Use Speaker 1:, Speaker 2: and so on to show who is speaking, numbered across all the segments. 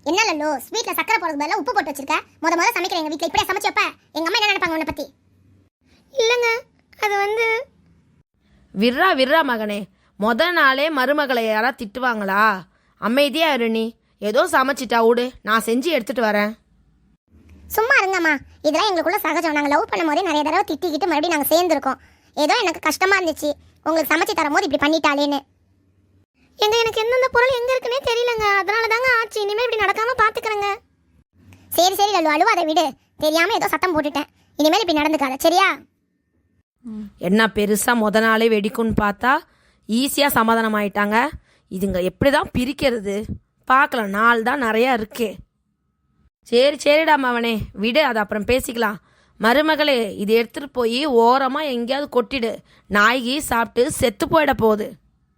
Speaker 1: என்ன லல்லோ ஸ்வீட்ல சக்கரை போடுறது பதிலா உப்பு போட்டு வச்சிருக்க. முத சமைக்கிற எங்க வீட்ல இப்படியே சமைச்சு வைப்ப. எங்க அம்மா என்ன நினைப்பாங்க உன்னை பத்தி?
Speaker 2: இல்லைங்க, அது வந்து
Speaker 3: விர்ரா விர்ரா மகனே, நாளே மருமகளை யாரா திட்டுவாங்களா? அமைதியா இரு நீ. ஏதோ சமைச்சிட்டா விடு, நான் செஞ்சு எடுத்துட்டு வரேன்.
Speaker 1: சும்மா இருங்கம்மா, இதெல்லாம் எங்களுக்குள்ள சகஜம். நாங்கள் லவ் பண்ணும் போதே நிறைய தடவை திட்டிக்கிட்டு மறுபடியும் நாங்கள் சேர்ந்துருக்கோம். ஏதோ எனக்கு கஷ்டமா இருந்துச்சு உங்களுக்கு சமைச்சு தரும் போது இப்படி பண்ணிட்டாலேன்னு.
Speaker 2: எனக்கு எந்தெந்த பொருள் எங்க இருக்குன்னே தெரியலங்க. அதனால தாங்க ஆச்சு. இனிமேல் இப்படி நடக்காம பாத்துக்கிறேங்க.
Speaker 1: சரி சரி லல்லு, அழுவாத விடு. தெரியாம ஏதோ சத்தம் போட்டுட்டேன். இனிமேல் இப்படி நடந்துக்காத, சரியா?
Speaker 3: என்ன பெருசா நாளே வெடிக்கும்னு பார்த்தா ஈஸியா சமாதானம் ஆயிட்டாங்க. இதுங்க எப்படிதான் பிரிக்கிறது பார்க்கலாம். நாள் தான் நிறையா இருக்கே. சரிடா மவனே, விடு, அது அப்புறம் பேசிக்கலாம். மருமகளே, இது எடுத்துட்டு போய் ஓரமா எங்கேயாவது கொட்டிடு. நாய்கி சாப்பிட்டு செத்து போயிட போகுது.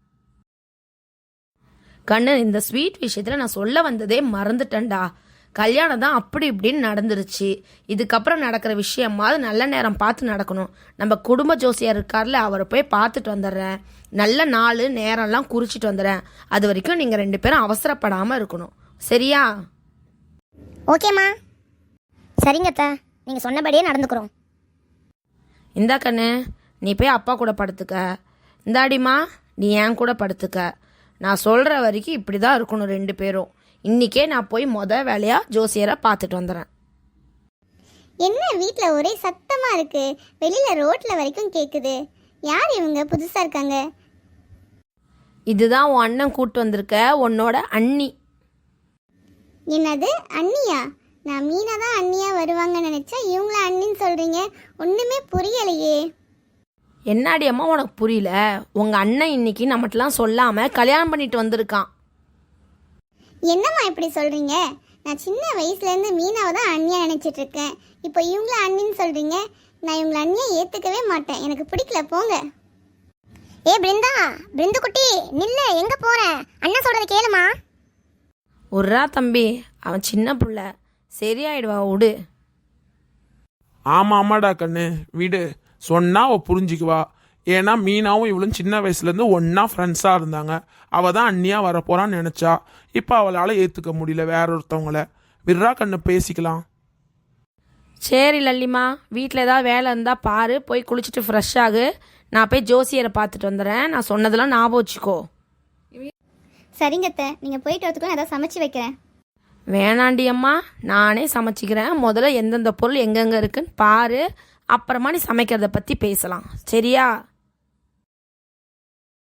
Speaker 3: கண்ணு, இந்த ஸ்வீட் விஷயத்துல நான் சொல்ல வந்ததே மறந்துட்டேன்டா. கல்யாணம் தான் அப்படி இப்படின்னு நடந்துருச்சு. இதுக்கப்புறம் நடக்கிற விஷயமாவது நல்ல நேரம் பார்த்து நடக்கணும். நம்ம குடும்ப ஜோசியர் இருக்கார்ல, அவரை போய் பார்த்துட்டு வந்துடுறேன். நல்ல நாள் நேரம்லாம் குறிச்சிட்டு வந்துடுறேன். அது வரைக்கும் நீங்கள் 2 பேரும் அவசரப்படாமல் இருக்கணும், சரியா?
Speaker 1: ஓகேம்மா. சரிங்கத்த, நீங்கள் சொன்னபடியே நடந்துக்கிறோம்.
Speaker 3: இந்தா கண்ணு, நீ போய் அப்பா கூட படுத்துக்க. இந்தாடிமா, நீ என் கூட படுத்துக்க. நான் சொல்கிற வரைக்கும் இப்படி தான் இருக்கணும் 2 பேரும். இன்றைக்கே நான் போய் வேலையாக ஜோசியரை பார்த்துட்டு வந்துடுறேன்.
Speaker 1: என்ன வீட்டில் ஒரே சத்தமாக இருக்கு, வெளியில் ரோட்டில் வரைக்கும் கேட்குது. யார் இவங்க புதுசாக இருக்காங்க?
Speaker 3: இதுதான் உன் அண்ணன் கூட்டு வந்திருக்க, உன்னோட அண்ணி.
Speaker 1: என்னது அண்ணியா? நான் மீனா தான் அண்ணியா வருவாங்கன்னு நினைச்சா இவங்கள அண்ணின்னு சொல்றீங்க. ஒண்ணுமே புரியலையே.
Speaker 3: என்னாடி அம்மா உனக்கு புரியல? உங்க அண்ணன் இன்னைக்கு நம்மட்டெல்லாம் சொல்லாம கல்யாணம் பண்ணிட்டு வந்திருக்கான்.
Speaker 1: என்னம்மா இப்படி சொல்றீங்க? நான் சின்ன வயசுல இருந்து மீனாவை தான் அண்ணியா நினைச்சிட்டு இருக்கேன். இப்போ இவங்கள அண்ணின்னு சொல்றீங்க. நான் இவங்கள அண்ணியா ஏத்துக்கவே மாட்டேன். எனக்கு பிடிக்கல, போங்க. ஏ பிருந்தா, பிருந்து குட்டி நில்ல, எங்க போற? அண்ணா சொல்றத கேளுமா.
Speaker 3: ஒர்ரா தம்பி, அவன் சின்ன புள்ள, சரியாயிடுவா, விடு.
Speaker 4: ஆமாடா கண்ணு, விடு. சொன்னா அவள் புரிஞ்சிக்குவா. ஏன்னா மீனாவும் இவளும் சின்ன வயசுலேருந்து ஒன்றா ஃப்ரெண்ட்ஸாக இருந்தாங்க. அவள் தான் அண்ணியாக வரப்போறான்னு நினச்சா. இப்போ அவளால் ஏற்றுக்க முடியல வேற ஒருத்தவங்கள. விர்ரா கண்ணு, பேசிக்கலாம்.
Speaker 3: சரி லல்லிமா, வீட்டில் ஏதாவது வேலை இருந்தால் பாரு, போய் குளிச்சுட்டு ஃப்ரெஷ் ஆகு. நான் போய் ஜோசியரை பார்த்துட்டு வந்துடுறேன். நான் சொன்னதெல்லாம் ஞாபகம் வச்சுக்கோ.
Speaker 1: சரிங்கத்த, நீங்க போயிட்டு வரதுக்குள்ள ஏதாவது சமைச்சு வைக்கிறேன்.
Speaker 3: வேணாண்டி அம்மா, நானே சமைச்சிக்கிறேன். முதல்ல எந்தெந்த பொருள் எங்கெங்கே இருக்குன்னு பாரு, அப்புறமா நீ சமைக்கிறத பற்றி பேசலாம், சரியா?